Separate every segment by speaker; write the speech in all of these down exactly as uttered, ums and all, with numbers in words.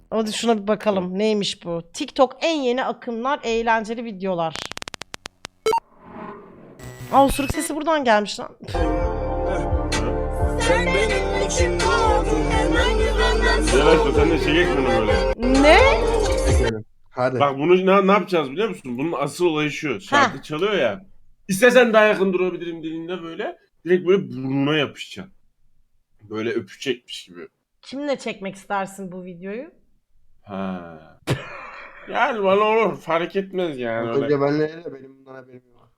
Speaker 1: Hadi şuna bir bakalım. Neymiş bu? TikTok en yeni akımlar, eğlenceli videolar. Aa, osuruk sesi buradan gelmiş lan.
Speaker 2: Sen benim için doğdun hemen güvenden
Speaker 3: Yavaş sen de çekek bunu böyle.
Speaker 1: Ne?
Speaker 4: Hadi.
Speaker 3: Bak bunu ne, ne yapacağız biliyor musun? Bunun asıl olayı şu. Şarkı çalıyor ya. İstesen daha yakın durabilirim dediğinde böyle direkt böyle burnuna yapışacaksın. Böyle öpecekmiş gibi.
Speaker 1: Kimle çekmek istersin bu videoyu?
Speaker 3: Ha. Yani bana olur. Fark etmez yani.
Speaker 4: Önce
Speaker 3: Öyle.
Speaker 4: benle de benim bundan haberim yok.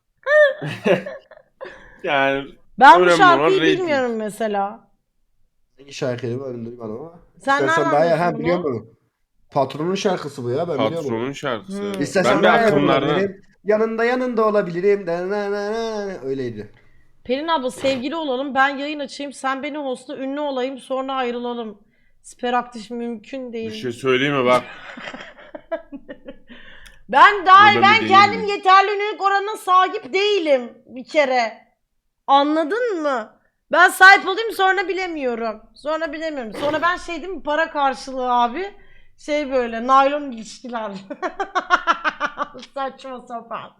Speaker 3: Yani
Speaker 1: Ben bu
Speaker 3: önemli
Speaker 1: şarkıyı
Speaker 3: olan rating.
Speaker 1: bilmiyorum mesela.
Speaker 4: Hangi şarkıydı ben duymadım ama.
Speaker 1: Sen
Speaker 4: İstersen
Speaker 1: nereden
Speaker 4: daha ya
Speaker 1: biliyorsun
Speaker 4: ha
Speaker 1: bunu?
Speaker 4: biliyor musun? Patronun şarkısı bu ya ben biliyorum.
Speaker 3: Patronun şarkısı.
Speaker 1: Hmm.
Speaker 4: İstersen
Speaker 3: Ben de
Speaker 4: daha yakın
Speaker 3: akımlardan.
Speaker 4: olabilirim. Yanında yanında olabilirim. Da na na na. Öyleydi.
Speaker 1: Pelin abla sevgili olalım, ben yayın açayım, sen beni hostla, ünlü olayım, sonra ayrılalım. Siper aktif mümkün değil.
Speaker 3: Bir şey söyleyeyim mi bak.
Speaker 1: Ben daha
Speaker 3: Buradan
Speaker 1: ben
Speaker 3: bir
Speaker 1: kendim
Speaker 3: deneyim.
Speaker 1: yeterli ünlülük oranına sahip değilim bir kere. Anladın mı? Ben sahip olayım sonra bilemiyorum. Sonra bilemiyorum. Sonra ben şey değil mi, para karşılığı abi. Şey böyle naylon ilişkiler. Saçma sapan.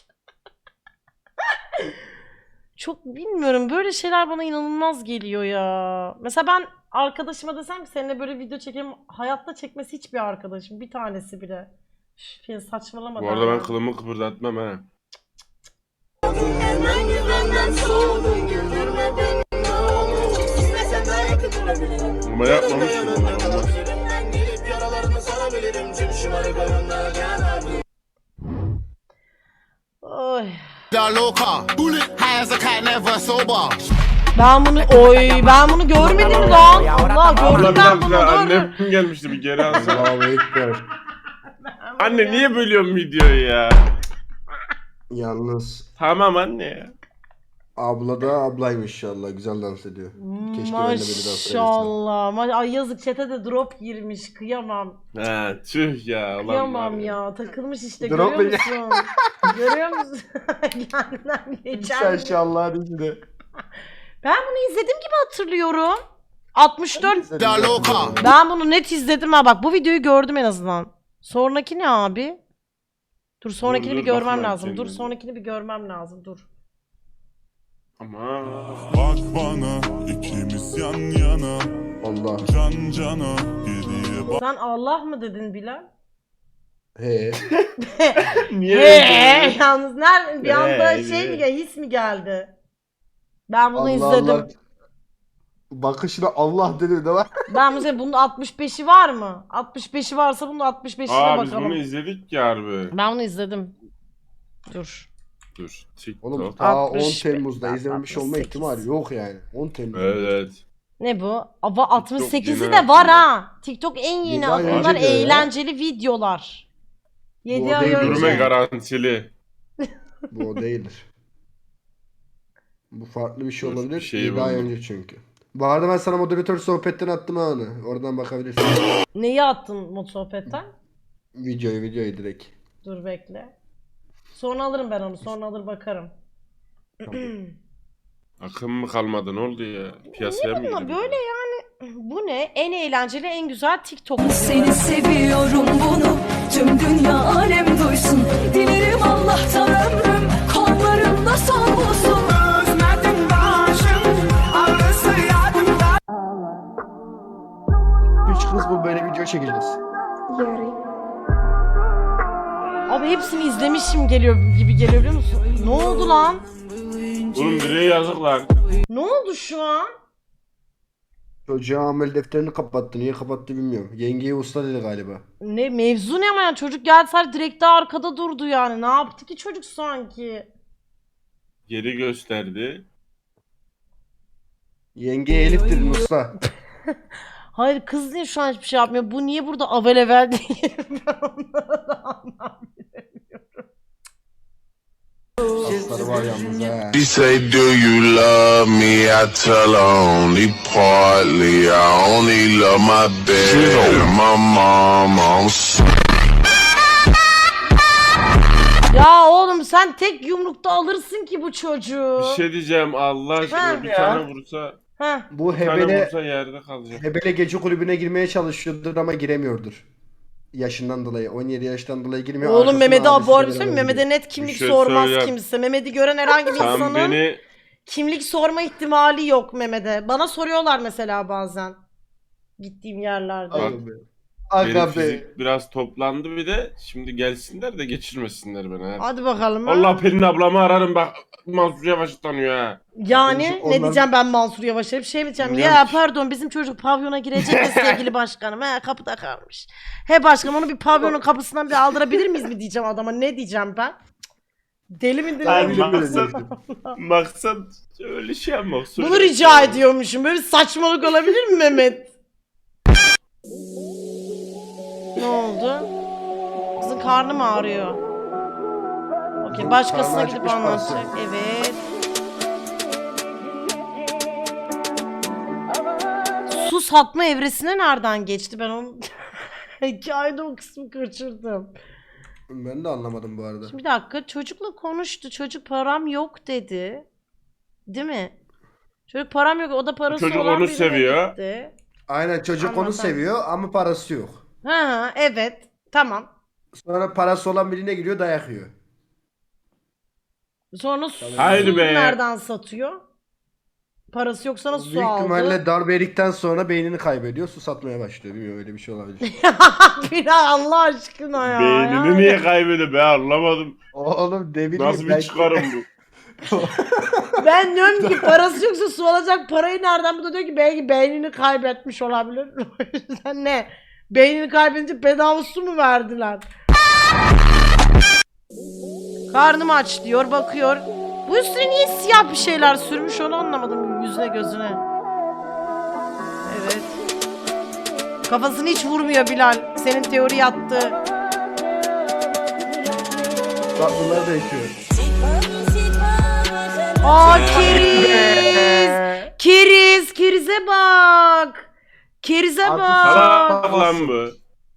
Speaker 1: Çok bilmiyorum, böyle şeyler bana inanılmaz geliyor ya. Mesela ben arkadaşıma desem ki seninle böyle video çekelim, hayatta çekmesi hiçbir arkadaşım, bir tanesi bile. Üf, saçmalama.
Speaker 3: Bu arada ben kılımı kıpırdatmam ha.
Speaker 2: hemen güvenden soğudun güldürme beni ne olur. İstesen daha yakın durabilirim.
Speaker 3: Ama yapmamışsın.
Speaker 2: Ben gelip yaralarını sarabilirim. Tüm şımarıklarından yanarım.
Speaker 1: Oy.
Speaker 5: loca. High as a cat, never sober.
Speaker 1: Ben bunu oy ben bunu görmedim lan. Allah
Speaker 3: Abla
Speaker 1: gördüm
Speaker 3: bir
Speaker 1: ben bunu.
Speaker 3: dakika
Speaker 1: Dur.
Speaker 3: annem gelmişti bir geri alsana.
Speaker 4: Allahu Ekber.
Speaker 3: Anne niye bölüyorsun videoyu ya?
Speaker 4: Yalnız
Speaker 3: Tamam anne ya.
Speaker 4: abla da ablaymış inşallah. Güzel dans ediyor. Keşke ben de beni dans edebilsem.
Speaker 1: Maşallah. Ma Ay yazık, chat'e de drop girmiş. Kıyamam.
Speaker 3: Ha tüh ya. Ulan
Speaker 1: Kıyamam
Speaker 3: var
Speaker 1: ya. Takılmış işte,
Speaker 4: Drop
Speaker 1: görüyor
Speaker 4: mu?
Speaker 1: musun? Görüyor musun? Kendinden geçen.
Speaker 4: Sen inşallah bizde.
Speaker 1: Ben bunu izledim gibi hatırlıyorum. altmış dört.
Speaker 5: loca.
Speaker 1: Ben bunu net izledim ha, bak bu videoyu gördüm en azından. Sonraki ne abi? Dur sonrakini
Speaker 3: dur,
Speaker 1: bir görmem
Speaker 3: bakma
Speaker 1: lazım. Dur
Speaker 3: kendine.
Speaker 1: sonrakini bir görmem lazım. Dur.
Speaker 3: Ama
Speaker 6: Bak bana ikimiz yan yana
Speaker 4: Allah.
Speaker 6: can cana geriye bak.
Speaker 1: Sen Allah mı dedin Bilal?
Speaker 4: He.
Speaker 3: niye
Speaker 1: He,
Speaker 3: öyle?
Speaker 1: yalnız nerede bir anda
Speaker 3: He,
Speaker 1: şey
Speaker 3: he.
Speaker 1: mi geldi, his mi geldi? Ben bunu
Speaker 4: Allah
Speaker 1: izledim.
Speaker 4: Allah. Bakışına Allah dedi de var.
Speaker 1: Ben mesela bunun altmış beşi var mı? altmış beşi varsa bunun altmış beşine
Speaker 3: Aa biz
Speaker 1: bakalım.
Speaker 3: bunu izledik ya harbi.
Speaker 1: Ben bunu izledim. Dur.
Speaker 3: Dur. TikTok.
Speaker 4: Oğlum ta on
Speaker 1: altmış,
Speaker 4: Temmuz'da izlememiş olma
Speaker 1: altmış sekiz.
Speaker 4: ihtimali yok yani. on Temmuz.
Speaker 3: Evet evet.
Speaker 1: Ne bu? Ava altmış sekizi
Speaker 3: yeni
Speaker 1: de var
Speaker 3: akımlar.
Speaker 1: ha. TikTok en yeni
Speaker 4: Yedi ay
Speaker 1: akımlar,
Speaker 4: önce diyor ya.
Speaker 1: eğlenceli videolar. yedi
Speaker 4: Bu
Speaker 1: ay
Speaker 4: değil,
Speaker 1: önce.
Speaker 3: Yürüme garantili.
Speaker 4: Bu o değildir. Bu farklı bir şey
Speaker 3: Dur,
Speaker 4: olabilir.
Speaker 3: bir şey
Speaker 4: yedi ay
Speaker 3: buldum.
Speaker 4: önce çünkü. Bu arada ben sana moderatör sohbetten attım ha onu. Oradan bakabilirsin.
Speaker 1: Neyi attın mod sohbetten?
Speaker 4: videoyu videoyu direkt.
Speaker 1: Dur bekle. Sonra alırım ben onu. Sonra alır bakarım.
Speaker 3: Akım mı kalmadı ne oldu ya? Piyasaya mı
Speaker 1: Ama
Speaker 3: girdi?
Speaker 1: böyle yani bu ne? En eğlenceli, en güzel TikTok.
Speaker 7: Seni seviyorum bunu tüm dünya alem duysun. Dilerim Allah'tan ömrüm kollarımda son bulsun. Özledim başım ağrısı yadımda.
Speaker 4: Üç kız bu böyle video çekeceğiz.
Speaker 1: Abi hepsini izlemişim geliyor gibi geliyor biliyor musun? Ne oldu lan?
Speaker 3: Oğlum bireye yazık lan.
Speaker 1: Ne oldu şu an?
Speaker 4: Çocuğa amel defterini kapattı. Niye kapattı bilmiyorum. Yengeye usta dedi galiba.
Speaker 1: Ne mevzu ne ama yani, çocuk geldi sadece direkt de arkada durdu yani. Ne yaptı ki çocuk sanki?
Speaker 3: Geri gösterdi.
Speaker 4: Yengeye Elif dedin usta.
Speaker 1: Hayır kız niye şu an hiçbir şey yapmıyor? Bu niye burada avelevel değil? Ben onları da anlamıyorum.
Speaker 4: Asları var yalnız ha.
Speaker 5: She say, do you love me? I tell her only partly. I only love my bed and my mom. I'm
Speaker 1: Ya oğlum sen tek yumrukta alırsın ki bu çocuğu.
Speaker 3: Bir şey diyeceğim Allah aşkına
Speaker 1: Ha
Speaker 3: bir
Speaker 1: ya.
Speaker 3: tane vursa.
Speaker 1: Heh.
Speaker 4: Bu
Speaker 3: Bir tane
Speaker 4: Hebele,
Speaker 3: vursa yerde kalacak.
Speaker 4: Hebele gece kulübüne girmeye çalışıyordur ama giremiyordur. Yaşından dolayı. on yedi yaştan dolayı girmiyor.
Speaker 1: Oğlum
Speaker 4: Arkasından
Speaker 1: Mehmet'e
Speaker 4: abisiyle
Speaker 1: abone olsun.
Speaker 4: beraber
Speaker 1: Mehmet'e
Speaker 4: gidiyor.
Speaker 1: net kimlik
Speaker 3: şey
Speaker 1: sormaz
Speaker 3: söyleyeyim.
Speaker 1: kimse. Mehmet'i gören herhangi bir
Speaker 3: Sen
Speaker 1: insanın
Speaker 3: beni
Speaker 1: kimlik sorma ihtimali yok Mehmet'e. Bana soruyorlar mesela bazen. Gittiğim yerlerde.
Speaker 3: Bak,
Speaker 4: Aga be.
Speaker 3: benim
Speaker 4: Aga be.
Speaker 3: fizik biraz toplandı bir de şimdi gelsinler de geçirmesinler beni. Ha.
Speaker 1: Hadi bakalım. ha.
Speaker 3: Allah Pelin ablamı ararım bak Mansur Yavaş tanıyor ha.
Speaker 1: Yani
Speaker 4: Onlar-
Speaker 1: ne diyeceğim ben Mansur Yavaş'a bir şey mi diyeceğim?
Speaker 3: Bilmiyorum
Speaker 1: Ya
Speaker 3: ki.
Speaker 1: pardon bizim çocuk pavyona girecek de sevgili başkanım. He kapıda kalmış. He başkanım onu bir pavyonun kapısından bir aldırabilir miyiz mi diyeceğim adama. Ne diyeceğim ben? Cık, Deli mi deli
Speaker 3: Ben
Speaker 1: mi?
Speaker 4: bile böyle
Speaker 3: maksat,
Speaker 4: dedim.
Speaker 3: maksat öyle şey yapmak.
Speaker 1: Bunu
Speaker 3: söylemek
Speaker 1: rica
Speaker 3: yani.
Speaker 1: ediyormuşum. Böyle bir saçmalık olabilir mi Mehmet? Ne oldu? Kızın karnı mı ağrıyor? Okey başkasına
Speaker 4: Karnı
Speaker 1: gidip
Speaker 4: acıkmış
Speaker 1: anlatacak. Evet. Su satma evresine nereden geçti? Ben onu hikayede o kısmı kaçırdım.
Speaker 4: Ben de anlamadım bu arada.
Speaker 1: Şimdi bir dakika çocukla konuştu. Çocuk param yok dedi. Değil mi? Çocuk param yok. O da parası
Speaker 3: Çocuk
Speaker 1: olan
Speaker 3: onu
Speaker 1: birine
Speaker 3: seviyor.
Speaker 1: gitti.
Speaker 4: Aynen çocuk onu
Speaker 1: Anladım.
Speaker 4: seviyor ama parası yok.
Speaker 1: Ha ha evet. Tamam.
Speaker 4: Sonra parası olan birine gidiyor dayak yiyor.
Speaker 1: Sonra su
Speaker 3: Haydi be.
Speaker 1: nereden satıyor? Parası yok sana su
Speaker 4: Büyük
Speaker 1: aldı.
Speaker 4: ihtimalle darbe yedikten sonra beynini kaybediyor. Su satmaya başlıyor. Bilmiyorum öyle bir şey olabilir.
Speaker 1: Biraz Allah aşkına ya.
Speaker 3: Beynini
Speaker 1: Yani.
Speaker 3: niye kaybediyor be anlamadım.
Speaker 4: Oğlum ne bileyim.
Speaker 3: Nasıl bir
Speaker 4: belki-
Speaker 3: çıkarım bu?
Speaker 1: Ben diyorum ki parası yoksa su alacak parayı nereden? Bu da diyor ki belki beynini kaybetmiş olabilir. O yüzden ne? Beynini kaybedince bedava su mu verdiler? Karnım aç diyor bakıyor. Bu üstüne niye siyah bir şeyler sürmüş onu anlamadım yüzüne gözüne. Evet. Kafasını hiç vurmuyor Bilal. Senin teori yattı.
Speaker 4: Bak bunlar değişiyor.
Speaker 1: Aa keriz. Keriz. Kerize bak. Kerize
Speaker 4: Artık
Speaker 1: bak.
Speaker 3: Salak lan bu.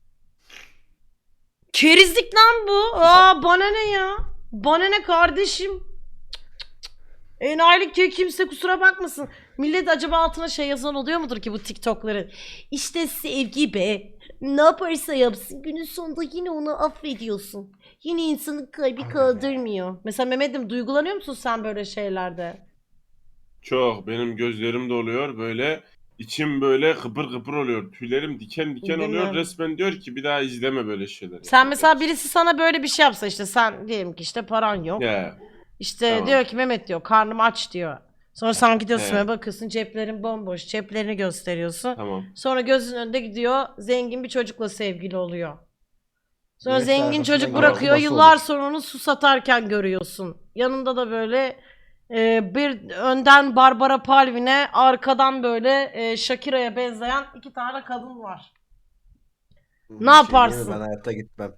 Speaker 1: Kerizlik lan bu. Aa bana ne ya? Bana ne kardeşim? Cık, cık, cık. Enayilik diyor kimse kusura bakmasın. Millet acaba altına şey yazan oluyor mudur ki bu TikTok'ları? İşte sevgi be. Ne yaparsa yapsın günün sonunda yine onu affediyorsun. Yine insanın kalbi kaldırmıyor. Mesela Mehmet'im duygulanıyor musun sen böyle şeylerde?
Speaker 3: Çok benim gözlerim doluyor böyle içim böyle kıpır kıpır oluyor. Tüylerim diken diken
Speaker 1: Değil
Speaker 3: oluyor.
Speaker 1: mi?
Speaker 3: Resmen diyor ki bir daha izleme böyle şeyler.
Speaker 1: Sen mesela birisi sana böyle bir şey yapsa işte sen diyelim ki işte paran yok.
Speaker 3: Ya
Speaker 1: İşte
Speaker 3: Tamam.
Speaker 1: diyor ki Mehmet diyor karnım aç diyor. Sonra sen gidiyorsun
Speaker 3: He.
Speaker 1: ve bakıyorsun ceplerin bomboş. Ceplerini gösteriyorsun.
Speaker 3: tamam.
Speaker 1: Sonra gözünün önünde gidiyor zengin bir çocukla sevgili oluyor. Sonra
Speaker 4: Evet,
Speaker 1: zengin
Speaker 4: arkasından
Speaker 1: çocuk
Speaker 4: gelen
Speaker 1: bırakıyor.
Speaker 4: babası
Speaker 1: Yıllar
Speaker 4: olur.
Speaker 1: sonra onu su satarken görüyorsun. Yanında da böyle e, bir önden Barbara Palvin'e arkadan böyle e, Shakira'ya benzeyen iki tane kadın var.
Speaker 4: Bir
Speaker 1: Ne
Speaker 4: şey
Speaker 1: yaparsın?
Speaker 4: diyeyim mi? Ben hayatta gitmem.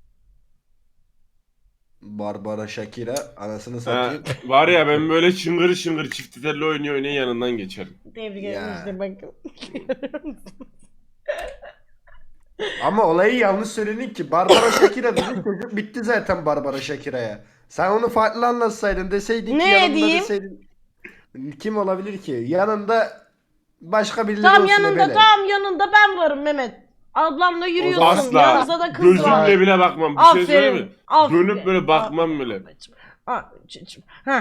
Speaker 4: Barbara Shakira anasını
Speaker 3: Ha,
Speaker 4: satayım.
Speaker 3: var ya ben böyle çıngır çıngır çift telli oynuyor oynaya yanından geçerim.
Speaker 1: Tebrik ederim
Speaker 4: Ya.
Speaker 1: işte bakın.
Speaker 4: Ama olayı yanlış söyledin ki. Barbara Shakira dedi çocuk bitti zaten Barbara Shakira'ya. Sen onu farklı anlatsaydın deseydin
Speaker 1: Ne
Speaker 4: ki yanında
Speaker 1: diyeyim?
Speaker 4: deseydin. Kim olabilir ki? Yanında başka birileri
Speaker 1: Tam
Speaker 4: olsun
Speaker 1: yanında
Speaker 4: Ebele.
Speaker 1: tam yanında ben varım Mehmet. Ablamla yürüyorsun.
Speaker 3: Asla.
Speaker 1: Yanınızda da kız var.
Speaker 3: Gözümle bile bakmam. Bir şey söyleyeyim mi?
Speaker 1: Aferin.
Speaker 3: Dönüp böyle bakmam bile.
Speaker 1: Abicim. Heh.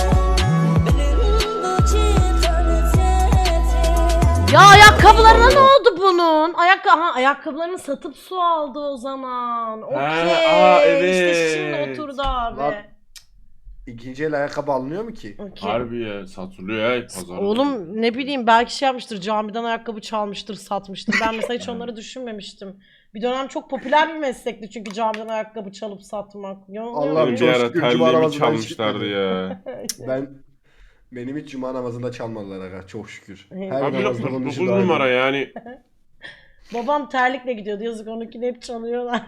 Speaker 1: Ya ayakkabılarına ne oldu bunun? Ayakkabı ha, ayakkabılarını satıp su aldı o zaman. Okey.
Speaker 3: aa,
Speaker 1: İşte şimdi
Speaker 3: evet.
Speaker 1: oturdu abi.
Speaker 4: Lan, İkinci el ayakkabı alınıyor mu ki?
Speaker 1: Okey.
Speaker 3: Harbi ya satılıyor ya pazarda.
Speaker 1: Oğlum ne bileyim belki şey yapmıştır camiden ayakkabı çalmıştır satmıştır. Ben mesela hiç onları düşünmemiştim. Bir dönem çok popüler bir meslekti çünkü camiden ayakkabı çalıp satmak. Yanılıyor
Speaker 4: Allah'ım
Speaker 3: Benim
Speaker 1: muyum?
Speaker 3: bir
Speaker 4: çok
Speaker 3: ara
Speaker 4: şükür cuma
Speaker 3: terliğimi
Speaker 4: namazından hiç
Speaker 3: çalmışlardı
Speaker 4: gitmedim.
Speaker 3: ya.
Speaker 4: Ben benim hiç cuma namazında çalmadılar aga çok şükür. Her
Speaker 1: Abi,
Speaker 3: Abi
Speaker 4: namazda bunun
Speaker 3: dokuz
Speaker 4: için daha iyi.
Speaker 3: numara yani.
Speaker 1: Babam terlikle gidiyordu yazık onunkini hep çalıyorlar.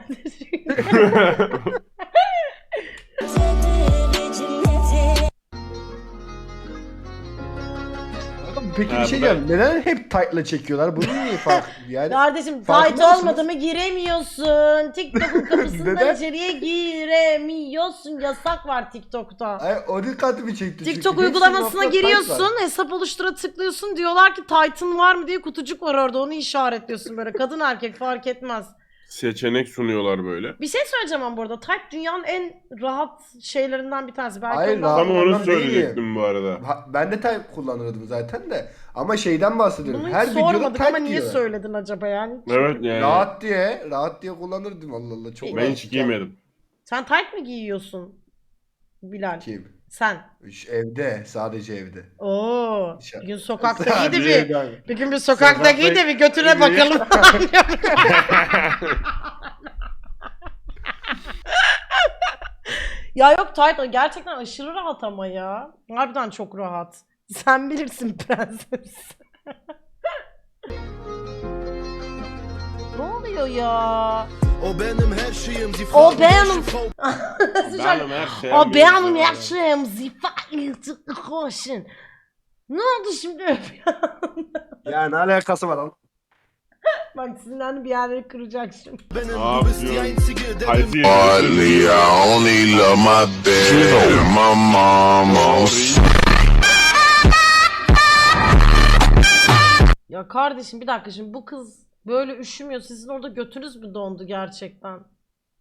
Speaker 4: peki
Speaker 3: Ha,
Speaker 4: bir şey
Speaker 3: bu da-
Speaker 4: diyeceğim. Neden hep tight'la çekiyorlar? Bunun niye farkı? Yani
Speaker 1: Kardeşim
Speaker 4: farkında
Speaker 1: tight
Speaker 4: mısınız?
Speaker 1: olmadı mı giremiyorsun. TikTok'un kapısından
Speaker 4: Neden?
Speaker 1: içeriye giremiyorsun. Yasak var TikTok'ta.
Speaker 4: Ay, o dikkatimi çekti. çünkü
Speaker 1: TikTok
Speaker 4: hepsinin
Speaker 1: uygulamasına
Speaker 4: altında tight var.
Speaker 1: giriyorsun, hesap oluştura tıklıyorsun. Diyorlar ki Titan var mı diye kutucuk var orada. Onu işaretliyorsun böyle. Kadın erkek fark etmez.
Speaker 3: Seçenek sunuyorlar böyle.
Speaker 1: Bir şey söyleyeceğim ama burada. Tight dünyanın en rahat şeylerinden bir tanesi. Belki
Speaker 4: Hayır,
Speaker 1: ondan-
Speaker 4: rahat-
Speaker 3: Tam onu
Speaker 4: Ondan
Speaker 3: söyleyecektim bu arada.
Speaker 4: Ha, ben de tight kullanırdım zaten de. Ama şeyden bahsediyorum.
Speaker 1: Bunu
Speaker 4: Her
Speaker 1: hiç
Speaker 4: videoda
Speaker 1: sormadık
Speaker 4: tight
Speaker 1: ama niye
Speaker 4: diyor.
Speaker 1: söyledin acaba yani?
Speaker 3: Evet yani.
Speaker 4: Rahat diye, rahat diye kullanırdım Allah Allah. Çok
Speaker 3: Ben hiç giymedim.
Speaker 1: Sen tight mi giyiyorsun Bilal?
Speaker 4: Kim?
Speaker 1: Sen.
Speaker 4: Üç, evde, sadece evde.
Speaker 1: Oo.
Speaker 4: Dışarı.
Speaker 1: Bir gün sokakta
Speaker 4: Sadece
Speaker 1: giydi bir.
Speaker 4: evde abi.
Speaker 1: Bir gün bir sokakta
Speaker 4: Sokakta-
Speaker 1: giy de bir götüne
Speaker 4: giy.
Speaker 1: bakalım. Ya yok tight o gerçekten aşırı rahat ama ya. Harbiden çok rahat. Sen bilirsin prenses. Ne oluyor ya?
Speaker 2: O benim her şeyim. die
Speaker 1: O
Speaker 2: Frau,
Speaker 1: benim.
Speaker 3: Benim her şeyim.
Speaker 1: O benim her şeyim. Zifayet koşun. Ne oldu şimdi?
Speaker 4: Ya ne alakası var lan?
Speaker 1: Bak sinirlendi bir yerleri kıracak şimdi.
Speaker 2: benim,
Speaker 3: Aa,
Speaker 2: du bist die
Speaker 3: diyorum.
Speaker 2: einzige, der
Speaker 3: Haydi.
Speaker 5: Hardly, I only love my bed and my mama.
Speaker 1: Ya kardeşim bir dakika şimdi bu kız böyle üşümüyor. Sizin orada götünüz mü dondu gerçekten? Cık.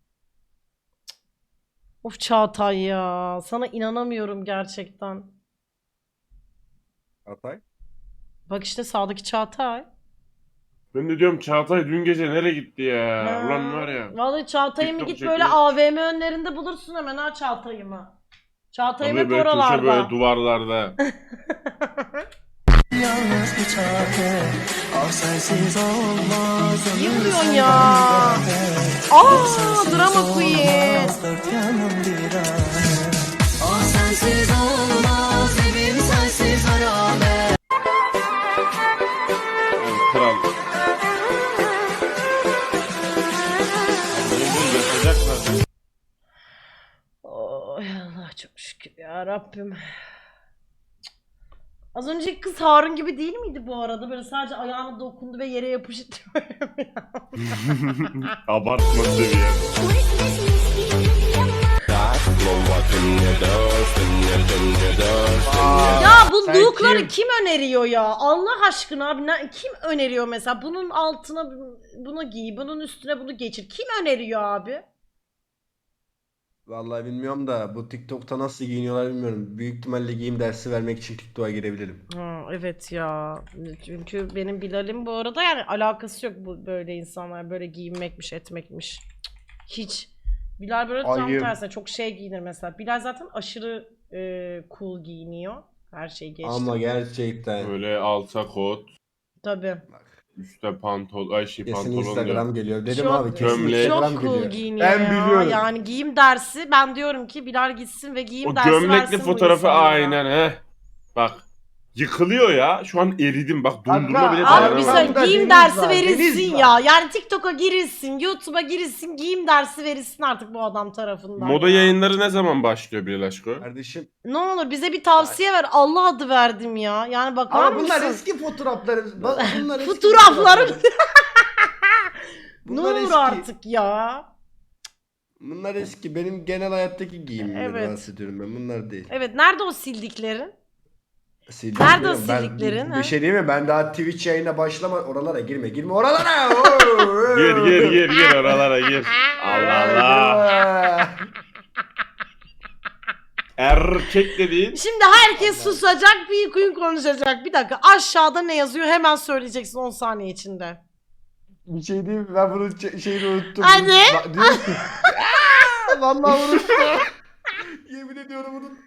Speaker 1: Of Çağatay ya. Sana inanamıyorum gerçekten.
Speaker 4: Atay.
Speaker 1: Bak işte sağdaki Çağatay.
Speaker 3: Ben de diyorum Çağatay dün gece nereye gitti ya?
Speaker 1: Ha.
Speaker 3: Ulan var ya.
Speaker 1: Vallahi Çağatay'ımı
Speaker 3: TikTok
Speaker 1: git böyle
Speaker 3: çekiyor.
Speaker 1: A V M önlerinde bulursun hemen ha Çağatay'ımı. Çağatay'ım
Speaker 3: Tabii
Speaker 1: hep
Speaker 3: böyle köşe
Speaker 1: oralarda.
Speaker 3: böyle duvarlarda.
Speaker 7: Yalnız bir çare, ah sensiz olmaz.
Speaker 1: İyi vuruyorsun ya. Aa drama queen.
Speaker 7: Dört yanım bir alem. Ah sensiz olmaz, evim sensiz harabe.
Speaker 3: Yani kral. Bunu yapacaklar.
Speaker 1: Oh Allah çok şükür ya Rabbim. Az önceki kız Harun gibi değil miydi bu arada? Böyle sadece ayağına dokundu ve yere yapıştı.
Speaker 3: Abartma seviye.
Speaker 1: Ya bu
Speaker 4: Sen
Speaker 1: lookları
Speaker 4: kim?
Speaker 1: kim öneriyor ya? Allah aşkına abi ne- kim öneriyor mesela? Bunun altına bunu giy, bunun üstüne bunu geçir. Kim öneriyor abi?
Speaker 4: Vallahi bilmiyorum da bu TikTok'ta nasıl giyiniyorlar bilmiyorum. Büyük ihtimalle giyim dersi vermek için TikTok'a girebilirim.
Speaker 1: Ha, evet ya. Çünkü benim Bilal'im bu arada yani alakası yok bu böyle insanlar böyle giyinmekmiş etmekmiş. Cık, hiç. Bilal böyle tam
Speaker 4: Ayıp.
Speaker 1: tersine çok şey giyinir mesela. Bilal zaten aşırı e, cool giyiniyor. Her şey geçti.
Speaker 4: Ama gerçekten.
Speaker 3: Böyle alta kot,
Speaker 1: Tabii.
Speaker 3: üstte pantol, ay şey
Speaker 4: Kesin
Speaker 3: pantolon
Speaker 4: Instagram
Speaker 3: diyor.
Speaker 4: geliyor. Dedim
Speaker 1: Çok-
Speaker 4: abi kesin
Speaker 3: Gömlek.
Speaker 4: Instagram
Speaker 1: Çok cool
Speaker 4: geliyor.
Speaker 1: giyiniyor
Speaker 4: Ben
Speaker 1: ya.
Speaker 4: biliyorum.
Speaker 1: Yani giyim dersi ben diyorum ki Bilal gitsin ve giyim
Speaker 3: O
Speaker 1: dersi
Speaker 3: gömlekli
Speaker 1: versin bu
Speaker 3: fotoğrafı
Speaker 1: insanlara.
Speaker 3: aynen he. Bak. Yıkılıyor ya. Şu an eridim. Bak dondurma
Speaker 4: Kanka,
Speaker 3: bile
Speaker 1: Abi bir
Speaker 3: dayanamadım.
Speaker 1: söyle
Speaker 4: Burada
Speaker 1: giyim
Speaker 4: deniz
Speaker 1: dersi
Speaker 4: var,
Speaker 1: verilsin
Speaker 4: deniz var.
Speaker 1: ya. Yani TikTok'a girilsin, YouTube'a girilsin, giyim dersi verilsin artık bu adam tarafından.
Speaker 3: Moda
Speaker 1: ya.
Speaker 3: yayınları ne zaman başlıyor Bilal aşkı?
Speaker 4: Kardeşim.
Speaker 1: Ne olur bize bir tavsiye ver. Allah adı verdim ya. Yani bakar
Speaker 4: Ama
Speaker 1: mısın?
Speaker 4: bunlar eski fotoğraflarımız. Bak, Bunlar eski
Speaker 1: Fotoğraflarım. ne
Speaker 4: Bunlar
Speaker 1: olur
Speaker 4: eski.
Speaker 1: artık ya.
Speaker 4: Bunlar eski. Benim genel hayattaki giyimimden
Speaker 1: Evet.
Speaker 4: bahsediyorum ben. Bunlar değil.
Speaker 1: Evet nerede o sildiklerin?
Speaker 4: Sildim
Speaker 1: Nerede o
Speaker 4: diyorum. Ben-
Speaker 1: sildiklerin,
Speaker 4: Bir,
Speaker 1: ha?
Speaker 4: bir şey diyeyim mi? Ben daha Twitch yayına başlama. Oralara girme. Girme oralara. Oo,
Speaker 3: Gir gir gir gir oralara gir. Allah Allah. Erkek dediğin
Speaker 1: Şimdi herkes susacak, bir gün konuşacak. Bir dakika aşağıda ne yazıyor hemen söyleyeceksin on saniye içinde.
Speaker 4: Bir şey diyeyim mi? Ben bunun ç- şeyini unuttum.
Speaker 1: Hadi.
Speaker 4: Ba- diyor ki- Aa, Vallahi unuttum. Yemin ediyorum unuttum.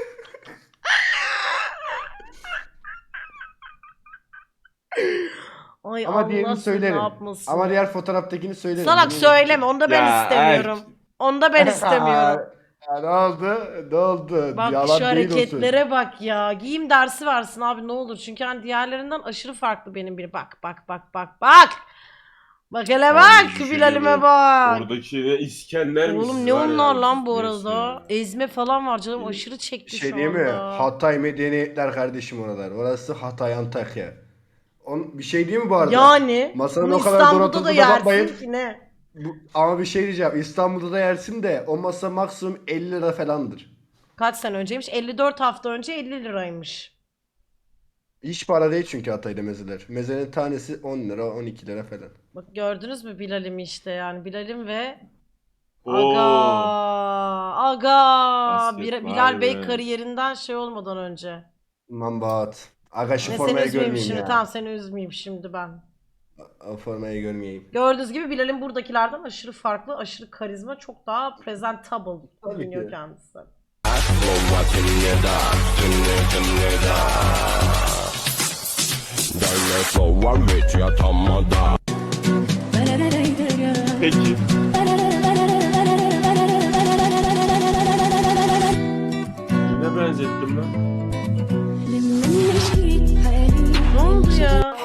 Speaker 1: Ay
Speaker 4: Ama
Speaker 1: Allah
Speaker 4: diğerini
Speaker 1: seni
Speaker 4: söylerim.
Speaker 1: ne yapmasın.
Speaker 4: Ama diğer fotoğraftakini söylerim.
Speaker 1: Salak
Speaker 4: Bunu
Speaker 1: söyleme onu da ben
Speaker 3: Ya,
Speaker 1: istemiyorum. Onu da ben
Speaker 4: unuttum.
Speaker 1: istemiyorum.
Speaker 4: Aa, ne oldu? Ne oldu?
Speaker 1: Bak
Speaker 4: Yalan
Speaker 1: şu
Speaker 4: değil o söz.
Speaker 1: hareketlere bak ya. Giyim dersi versin abi ne olur. Çünkü hani diğerlerinden aşırı farklı benim biri. Bak bak bak bak bak. Bak hele
Speaker 3: Abi
Speaker 1: bak
Speaker 3: bir
Speaker 1: Bilal'ime
Speaker 3: şey
Speaker 1: bak.
Speaker 3: Oradaki ne İskender
Speaker 1: Oğlum
Speaker 3: misiniz
Speaker 1: ne
Speaker 3: var
Speaker 1: onlar
Speaker 3: ya,
Speaker 1: lan bu
Speaker 3: neyse
Speaker 1: arada?
Speaker 3: ya.
Speaker 1: Ezme falan var canım aşırı çekti
Speaker 4: Şey
Speaker 1: şu
Speaker 4: değil mi?
Speaker 1: anda.
Speaker 4: Hatay medeniyetler kardeşim oralar. Orası Hatay Antakya. On, bir şey değil mi bu arada?
Speaker 1: Yani
Speaker 4: Masanın
Speaker 1: bunu
Speaker 4: o kadar
Speaker 1: İstanbul'da da
Speaker 4: donatıldığına bakmayın.
Speaker 1: yersin ki ne?
Speaker 4: Bu, ama bir şey diyeceğim. İstanbul'da da yersin de o masa maksimum elli lira falandır.
Speaker 1: Kaç sene önceymiş? elli dört hafta önce elli liraymış.
Speaker 4: Hiç para değil çünkü Hatay'da mezeler. Mezenin tanesi on lira, on iki lira falan.
Speaker 1: Bak gördünüz mü Bilal'imi işte yani Bilal'im ve
Speaker 3: Oo.
Speaker 1: Aga Aga
Speaker 3: Basket,
Speaker 1: Bir-
Speaker 3: vay
Speaker 1: Bilal Bey
Speaker 3: be.
Speaker 1: kariyerinden şey olmadan önce.
Speaker 4: Mambat. Aga şu
Speaker 1: Ne seni
Speaker 4: formayı
Speaker 1: üzmeyeyim
Speaker 4: görmeyeyim
Speaker 1: şimdi
Speaker 4: ya.
Speaker 1: tamam seni üzmeyeyim şimdi ben.
Speaker 4: O formayı görmeyeyim.
Speaker 1: Gördüğünüz gibi Bilal'in buradakilerden aşırı farklı, aşırı karizma, çok daha presentable
Speaker 4: Tabii
Speaker 1: görünüyor
Speaker 4: ki.
Speaker 1: kendisi.
Speaker 3: Peki. Ne benzettim lan?
Speaker 1: Ne oldu ya?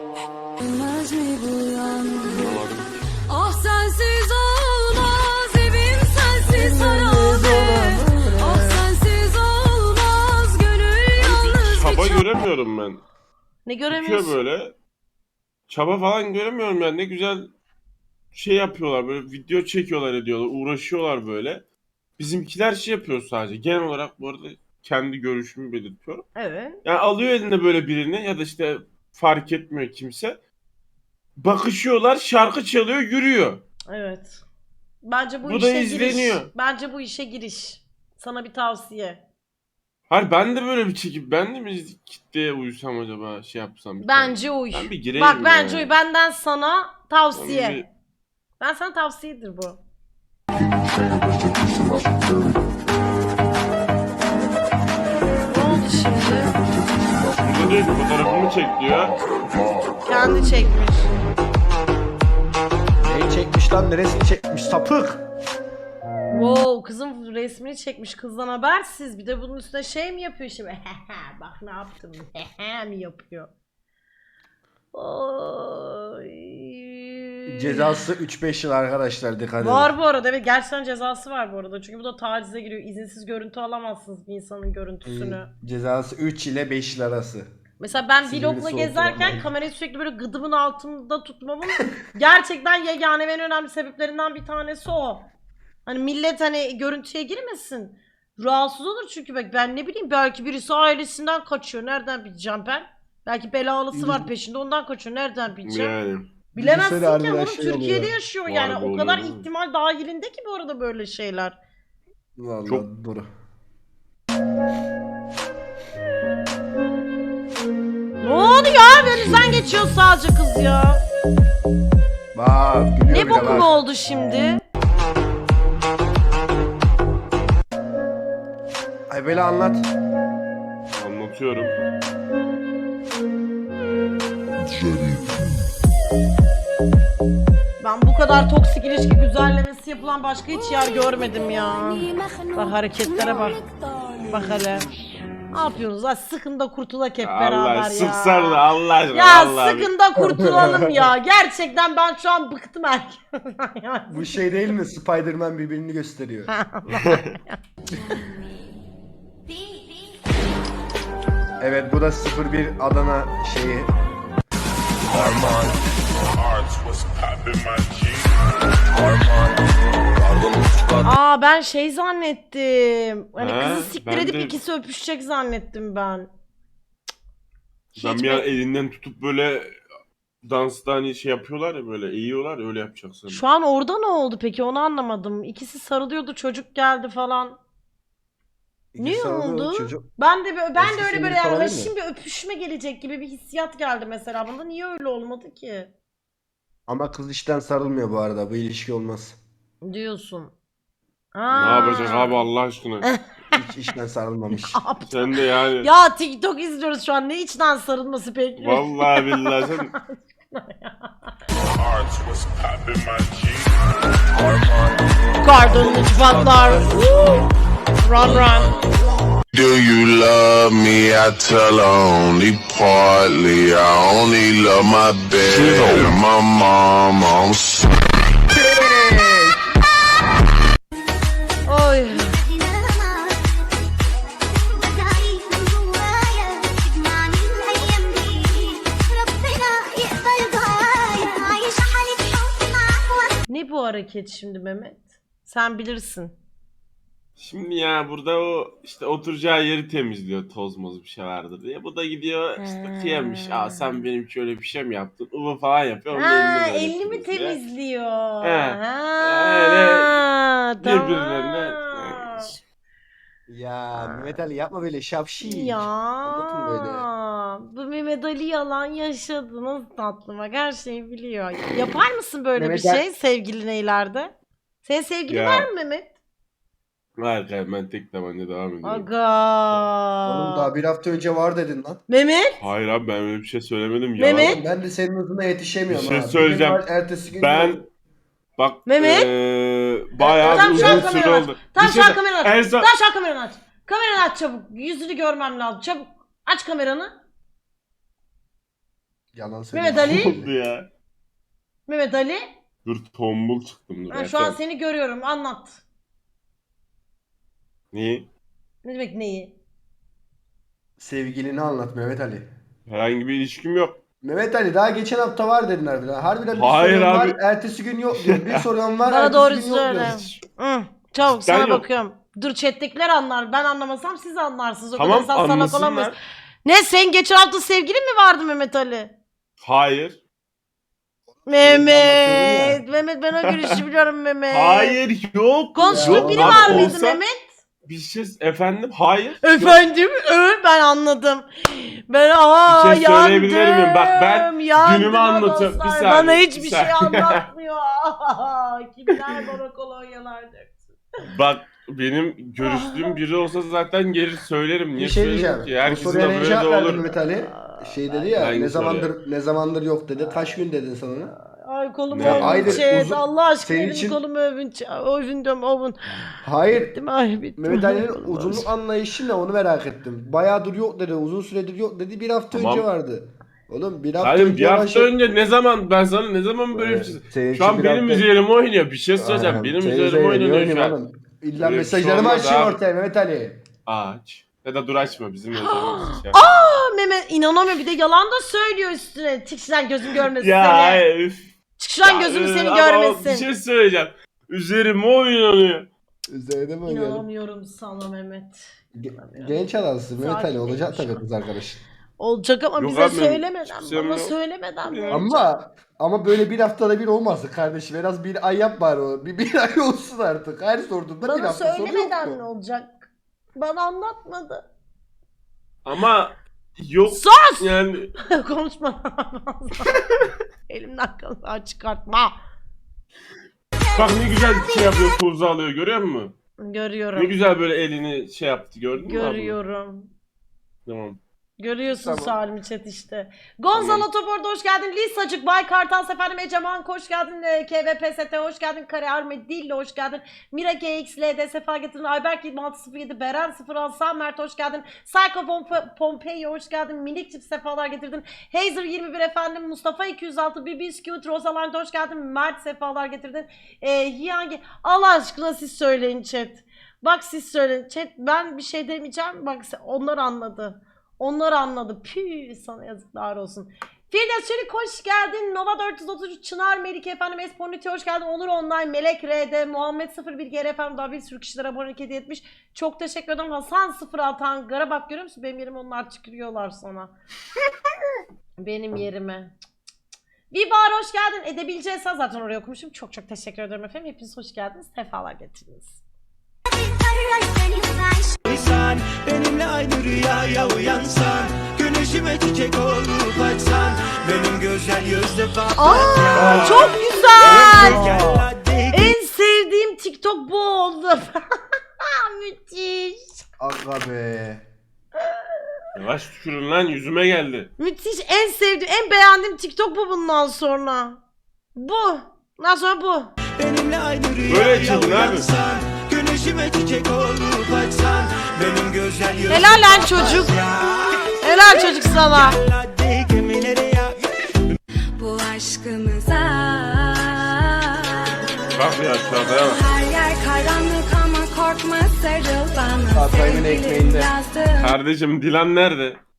Speaker 7: Ah sensiz olmaz evim sensiz harabe. Ah sensiz olmaz gönül yalnız
Speaker 3: Çaba
Speaker 7: bir
Speaker 3: göremiyorum ben.
Speaker 1: Ne
Speaker 3: Tutuyor
Speaker 1: göremiyorsun?
Speaker 3: böyle. Çaba falan göremiyorum yani. Ne güzel şey yapıyorlar, böyle video çekiyorlar, ediyorlar, uğraşıyorlar böyle. Bizimkiler şey yapıyor sadece. Genel olarak bu arada kendi görüşümü belirtiyorum.
Speaker 1: Evet.
Speaker 3: Yani alıyor eline böyle birini ya da işte fark etmiyor kimse. Bakışıyorlar, şarkı çalıyor, yürüyor.
Speaker 1: Evet. Bence bu,
Speaker 3: Bu da
Speaker 1: işe
Speaker 3: izleniyor.
Speaker 1: giriş. Bence bu işe giriş. Sana bir tavsiye.
Speaker 3: Hayır ben de böyle bir çekip ben de mi kitleye uysam acaba şey yapsam. bir
Speaker 1: Bence
Speaker 3: tane.
Speaker 1: uy.
Speaker 3: Ben bir gireyim
Speaker 1: Bak bence
Speaker 3: ya.
Speaker 1: uy. Benden sana tavsiye.
Speaker 3: Ben bir-
Speaker 1: Ben sana tavsiyedir bu. Ne oldu şimdi?
Speaker 3: Burada değil, fotoğrafımı çek diyor.
Speaker 1: Kendi çekmiş.
Speaker 4: Neyi çekmiş lan? Neresini çekmiş? Sapık.
Speaker 1: Wow, kızın resmini çekmiş kızdan habersiz. Bir de bunun üstüne şey mi yapıyor şimdi? Bak ne yaptım. mi yapıyor? Oy.
Speaker 4: Cezası üç beş yıl arkadaşlar, dikkat edin.
Speaker 1: Var bu arada, evet gerçekten cezası var bu arada. Çünkü bu da tacize giriyor. İzinsiz görüntü alamazsınız bir insanın görüntüsünü.
Speaker 4: Cezası üç ile beş yıl arası.
Speaker 1: Mesela ben
Speaker 4: Silivri
Speaker 1: vlogla
Speaker 4: soğuk
Speaker 1: gezerken
Speaker 4: yalan.
Speaker 1: kamerayı sürekli böyle gıdımın altında tutmamın gerçekten yegane ve en önemli sebeplerinden bir tanesi o. Hani millet hani görüntüye girmesin. Rahatsız olur çünkü bak ben ne bileyim belki birisi ailesinden kaçıyor. Nereden bileceğim ben? Belki belalısı var peşinde ondan kaçıyor. Nereden bileceğim?
Speaker 3: Yani.
Speaker 1: Bilemezsin
Speaker 4: Düşünsene
Speaker 1: ki
Speaker 4: harbiden
Speaker 1: oğlum
Speaker 4: şey
Speaker 1: Türkiye'de
Speaker 4: oluyor.
Speaker 1: yaşıyor
Speaker 3: Vay
Speaker 1: yani.
Speaker 3: be
Speaker 1: O kadar
Speaker 3: oğlum.
Speaker 1: ihtimal dahilinde ki bu arada böyle şeyler.
Speaker 4: Vallahi
Speaker 3: Çok-
Speaker 4: doğru.
Speaker 1: Ne oldu ya? Önünüzden geçiyor sadece kız ya.
Speaker 4: Bak gülüyor
Speaker 1: Ne
Speaker 4: bile
Speaker 1: bokum
Speaker 4: bak.
Speaker 1: oldu şimdi?
Speaker 4: Ay böyle anlat.
Speaker 3: Anlatıyorum.
Speaker 1: Ben bu kadar toksik ilişki güzellemesi yapılan başka hiç yer görmedim ya. Bak hareketlere bak. Bak hele. Ne yapıyorsunuz lan? Sıkın da kurtulak hep beraber
Speaker 3: Allah
Speaker 1: ya.
Speaker 3: sıksar da Allah aşkına.
Speaker 1: Ya
Speaker 3: Allah
Speaker 1: sıkın da kurtulalım ya. Gerçekten ben şu an bıktım herkesten.
Speaker 4: Bu şey değil mi? Spider-Man birbirini gösteriyor. Evet, bu da sıfır bir Adana şeyi.
Speaker 1: Aa ben şey zannettim. Hani
Speaker 3: Ha,
Speaker 1: kızı siktir
Speaker 3: ben
Speaker 1: edip
Speaker 3: de-
Speaker 1: ikisi öpüşecek zannettim ben.
Speaker 3: Ben
Speaker 1: Hiç
Speaker 3: bir an
Speaker 1: be-
Speaker 3: elinden tutup böyle dansta hani şey yapıyorlar ya, böyle eğiyorlar ya, öyle yapacaksın.
Speaker 1: Şu an orada ne oldu peki onu anlamadım. İkisi sarılıyordu çocuk geldi falan. Ne
Speaker 4: İkisi arada
Speaker 1: oldu?
Speaker 4: Çocuk.
Speaker 1: Ben de böyle- ben
Speaker 4: Eski
Speaker 1: de öyle
Speaker 4: sevgili
Speaker 1: böyle yani
Speaker 4: falan değil mi?
Speaker 1: haşin bir öpüşme gelecek gibi bir hissiyat geldi mesela bana. Niye öyle olmadı ki?
Speaker 4: Ama kız işten sarılmıyor bu arada. Bu ilişki olmaz.
Speaker 1: Diyorsun.
Speaker 3: Ne yapacak abi Allah aşkına?
Speaker 4: Hiç işten sarılmamış.
Speaker 3: Sen de yani.
Speaker 1: Ya TikTok izliyoruz şu an. Ne içten sarılması bekliyorsun?
Speaker 3: Vallahi billahi sen.
Speaker 1: Kartonlu çıplaklar. Run run.
Speaker 5: Do you love me? I tell her only partly. I only love my bed and my mom. I'm sorry.
Speaker 1: Oy. Ne bu hareket şimdi Mehmet? Sen bilirsin.
Speaker 3: Şimdi ya burada o işte oturacağı yeri temizliyor, toz moz bir şey vardır diye. Bu da gidiyor işte
Speaker 1: Ha.
Speaker 3: kıyamış. Aa sen benim şöyle bir şey mi yaptın? Uva falan yapıyor. Onun
Speaker 1: Ha,
Speaker 3: elini böyle
Speaker 1: elini mi
Speaker 3: temizliyor.
Speaker 1: temizliyor?
Speaker 3: He.
Speaker 1: Ha,
Speaker 3: Öyle
Speaker 1: tamam.
Speaker 3: birbirlerine-
Speaker 4: Ya Mehmet Ali yapma böyle şapşi.
Speaker 1: Ya
Speaker 4: Anlatın böyle.
Speaker 1: bu Mehmet Ali yalan yaşadı. Nasıl tatlı bak, her şeyi biliyor. Yapar mısın böyle
Speaker 4: Mehmet
Speaker 1: bir
Speaker 4: Ali-
Speaker 1: şey sevgiline ileride? Senin sevgilin
Speaker 3: Ya.
Speaker 1: var mı Mehmet?
Speaker 3: Var kanka, ben tek tabanca devam ediyorum.
Speaker 1: Aga.
Speaker 4: Oğlum daha bir hafta önce var dedin lan.
Speaker 1: Mehmet?
Speaker 3: Hayır abi, ben öyle bir şey söylemedim.
Speaker 1: Mehmet?
Speaker 3: Yalan.
Speaker 4: Oğlum ben de senin hızına yetişemiyorum
Speaker 3: Bir şey
Speaker 4: ha.
Speaker 3: söyleyeceğim.
Speaker 4: gün var, ertesi gün
Speaker 3: Ben
Speaker 4: yok.
Speaker 3: bak
Speaker 1: Mehmet?
Speaker 3: eee bayağı
Speaker 1: Tamam,
Speaker 3: bir
Speaker 1: şu an
Speaker 3: uzun süre
Speaker 1: kameranı aç.
Speaker 3: oldu.
Speaker 1: Tamam
Speaker 3: Bir
Speaker 1: şu an
Speaker 3: şey-
Speaker 1: kameranı aç.
Speaker 3: en son-
Speaker 1: Tamam şu an kameranı aç. Kameranı aç çabuk. Yüzünü görmem lazım. Çabuk. Aç kameranı.
Speaker 4: Yalan söylüyor.
Speaker 1: Mehmet Ali?
Speaker 3: Ne oldu ya?
Speaker 1: Mehmet Ali.
Speaker 3: Dur tombul çıktım dur.
Speaker 1: Ha, şu an
Speaker 3: Erken.
Speaker 1: seni görüyorum. Anlat.
Speaker 3: Niye?
Speaker 1: Ne demek neyi?
Speaker 4: Sevgilini anlat Mehmet Ali.
Speaker 3: Herhangi bir ilişkim yok.
Speaker 4: Mehmet Ali daha geçen hafta var dedin harbiden. Harbiden bir
Speaker 3: Hayır
Speaker 4: soruyorum
Speaker 3: abi.
Speaker 4: var, ertesi gün yok diyor. Bir soruyorum var,
Speaker 1: Bana
Speaker 4: ertesi
Speaker 1: doğru
Speaker 4: gün yok
Speaker 1: söyle.
Speaker 4: diyor.
Speaker 3: Hiç.
Speaker 1: Hı, çabuk
Speaker 3: Cidden
Speaker 1: sana
Speaker 3: yok.
Speaker 1: bakıyorum. Dur chat'tekiler anlar. Ben anlamasam siz anlarsınız. O
Speaker 3: Tamam,
Speaker 1: kadar insan salak olamayız.
Speaker 3: anlasınlar.
Speaker 1: Ne, sen geçen hafta sevgilin mi vardı Mehmet Ali?
Speaker 3: Hayır.
Speaker 1: Mehmet. Mehmet ben o görüşü biliyorum Mehmet.
Speaker 3: Hayır yok.
Speaker 1: Konuştuğun
Speaker 4: Ya,
Speaker 1: biri
Speaker 3: abi
Speaker 1: var mıydı
Speaker 3: olsa-
Speaker 1: Mehmet?
Speaker 3: Bir şey efendim hayır. Yok.
Speaker 1: Efendim? Ö, ben anladım. Ben aa
Speaker 3: Bir şey
Speaker 1: yandım.
Speaker 3: söyleyebilir miyim? Bak, ben
Speaker 1: yandım
Speaker 3: günümü anlatıyorum.
Speaker 1: dostlar.
Speaker 3: Bir saniye,
Speaker 1: Bana hiçbir
Speaker 3: bir
Speaker 1: şey
Speaker 3: saniye.
Speaker 1: anlatmıyor. Kimler bana kolonyalar döksün.
Speaker 3: Bak benim görüştüğüm biri olsa zaten gelir söylerim. Niye
Speaker 4: Bir şey
Speaker 3: söylerim
Speaker 4: diyeceğim.
Speaker 3: ki?
Speaker 4: Bu
Speaker 3: Herkesin
Speaker 4: soruya
Speaker 3: de
Speaker 4: ne
Speaker 3: böyle de
Speaker 4: cevap verdin
Speaker 3: olur.
Speaker 4: Mehmet Ali? Şey dedi ya,
Speaker 3: Hangi
Speaker 4: ne
Speaker 3: soruya?
Speaker 4: zamandır ne zamandır yok dedi. Kaç gün dedin sen ona?
Speaker 1: Ay kolumu
Speaker 3: Ya,
Speaker 1: övün
Speaker 4: aydır,
Speaker 1: chat.
Speaker 4: uzun-
Speaker 1: Allah aşkına
Speaker 4: senin
Speaker 1: benim
Speaker 4: için-
Speaker 1: kolumu övün. ç- Övün diyorum övün.
Speaker 4: Hayır.
Speaker 1: Bittim ay bittim.
Speaker 4: Mehmet Ali'nin
Speaker 1: Kolumu
Speaker 4: uzunluk
Speaker 1: övün.
Speaker 4: anlayışı ne, onu merak ettim. Bayağıdır yok dedi, uzun süredir yok dedi. Bir hafta
Speaker 3: Tamam.
Speaker 4: önce vardı. Oğlum bir hafta
Speaker 3: Hayır
Speaker 4: önce
Speaker 3: bir hafta
Speaker 4: başladı.
Speaker 3: önce ne zaman ben sana ne zaman böyle bir
Speaker 4: Evet,
Speaker 3: şey
Speaker 4: senin
Speaker 3: Şu an
Speaker 4: için bir
Speaker 3: benim
Speaker 4: hafta-
Speaker 3: üzerime oynuyor. Bir şey söyleyeceğim.
Speaker 4: Aynen,
Speaker 3: Benim
Speaker 4: senin
Speaker 3: üzerime
Speaker 4: üzerine
Speaker 3: oynanıyor
Speaker 4: oynayayım
Speaker 3: şu an.
Speaker 4: oğlum. İlla
Speaker 3: Öyle bir
Speaker 4: mesajlarımı
Speaker 3: şey olmaz
Speaker 4: açayım
Speaker 3: abi.
Speaker 4: ortaya Mehmet Ali.
Speaker 3: Aç. Ya da dur açma bizim yazarımız. şey.
Speaker 1: Aa, Mehmet inanamıyorum, bir de yalan da söylüyor üstüne. Çık şuradan gözüm görmesin
Speaker 3: Ya
Speaker 1: seni.
Speaker 3: hayır, üf.
Speaker 1: Çık şuradan
Speaker 3: Ya,
Speaker 1: gözüm
Speaker 3: üf,
Speaker 1: seni
Speaker 3: ama
Speaker 1: görmesin.
Speaker 3: Bir şey söyleyeceğim. Üzerime oynanıyor.
Speaker 4: Üzerine mi oynayalım?
Speaker 1: İnanamıyorum sana Mehmet.
Speaker 4: Ge- Genç adamsın Mehmet Ali,
Speaker 1: Sakin
Speaker 4: olacak
Speaker 1: ol
Speaker 4: tabii
Speaker 1: şu an.
Speaker 4: kız arkadaş.
Speaker 1: Olacak ama
Speaker 3: Yok
Speaker 1: bize
Speaker 3: abi,
Speaker 1: söylemeden,
Speaker 3: hiçbir şeyim
Speaker 1: bana
Speaker 3: yok.
Speaker 1: söylemeden mi olacak?
Speaker 4: Ama ama böyle bir haftada bir olmasın kardeşim. En az bir ay yap bari o. Bir, bir ay olsun artık. Her sorduğunda bir
Speaker 1: Bana
Speaker 4: hafta sonra yok
Speaker 1: söylemeden ne
Speaker 4: mu?
Speaker 1: olacak? Bana anlatmadı.
Speaker 3: Ama yok
Speaker 1: Sus!
Speaker 3: yani.
Speaker 1: Konuşma. Elimden kalan çıkartma.
Speaker 3: Bak ne güzel şey yapıyor, tuzu alıyor, görüyor musun? Ne
Speaker 1: Görüyorum.
Speaker 3: güzel böyle elini şey yaptı, gördün mü abi?
Speaker 1: Görüyorum.
Speaker 3: Tamam.
Speaker 1: Görüyorsun
Speaker 3: Tamam.
Speaker 1: Salim chat işte. Gonzalo
Speaker 3: Tamam.
Speaker 1: Topor'da hoş geldin. Lisacık, Bay Kartal Seferim, Eceman hoş geldin. E, K V P S T hoş geldin. Kare Arme Dilli hoş geldin. Mira G X L D sefa getirdin. Ayberk yirmi altı sıfır yedi, Beren sıfır altı, Sam Mert hoş geldin. Psycho Pompe- Pompei hoş geldin. Minik çift sefalar getirdin. Hazer yirmi bir efendim. Mustafa iki yüz altı, B B Scoot, Rosalind hoş geldin. Mert sefalar getirdin. E, Hiyangi, Allah aşkına siz söyleyin chat. Bak siz söyleyin chat. Ben bir şey demeyeceğim. Bak onlar anladı. Onlar anladı. Püh, sana yazıklar olsun. Firdevs Çelik hoş geldin. Nova dört yüz otuz üç, Çınar Melike efendim, Esponiti hoş geldin. Onur Online, Melek R D, Muhammed sıfır bir G R efendim, daha bir sürü kişilere abonelik hediye etmiş. Çok teşekkür ederim. Hasan sıfır altı Ankara, bak görüyor musun? Benim yerime onlar çıkırıyorlar sana. Benim yerime. Vibar hoş geldin. Edebileceğiz zaten oraya okumuşum. Çok çok teşekkür ederim efendim. Hepiniz hoş geldiniz. Sefalar getirdiniz.
Speaker 2: İnsan benimle aynı rüyaya uyansan, güneşime çiçek olup açsan, benim güzel yüzlü
Speaker 1: Aa, çok güzel. En sevdiğim TikTok bu oldu. Müthiş.
Speaker 4: Aga be.
Speaker 3: Yavaş tükürün lan, yüzüme geldi.
Speaker 1: Müthiş. En sevdiğim, en beğendiğim TikTok bu bundan sonra. Bu. Bundan sonra bu.
Speaker 2: Benimle aynı
Speaker 3: Böyle
Speaker 2: rüyaya
Speaker 3: çılgın abi.
Speaker 2: uyansan, güneşime Gülüşüme çiçek olup açsan, benim güzel yüzüm
Speaker 1: Helal lan çocuk. Helal çocuk sana.
Speaker 2: hadi gemilere yak.
Speaker 7: Bu aşkımıza
Speaker 3: Bak ya aşağıya bak.
Speaker 7: her yer karanlık ama korkma sarıl bana.
Speaker 4: Hatay'ın
Speaker 7: Sevgilim
Speaker 4: ekmeğinde.
Speaker 7: yazdım.
Speaker 3: Kardeşim Dilan nerede?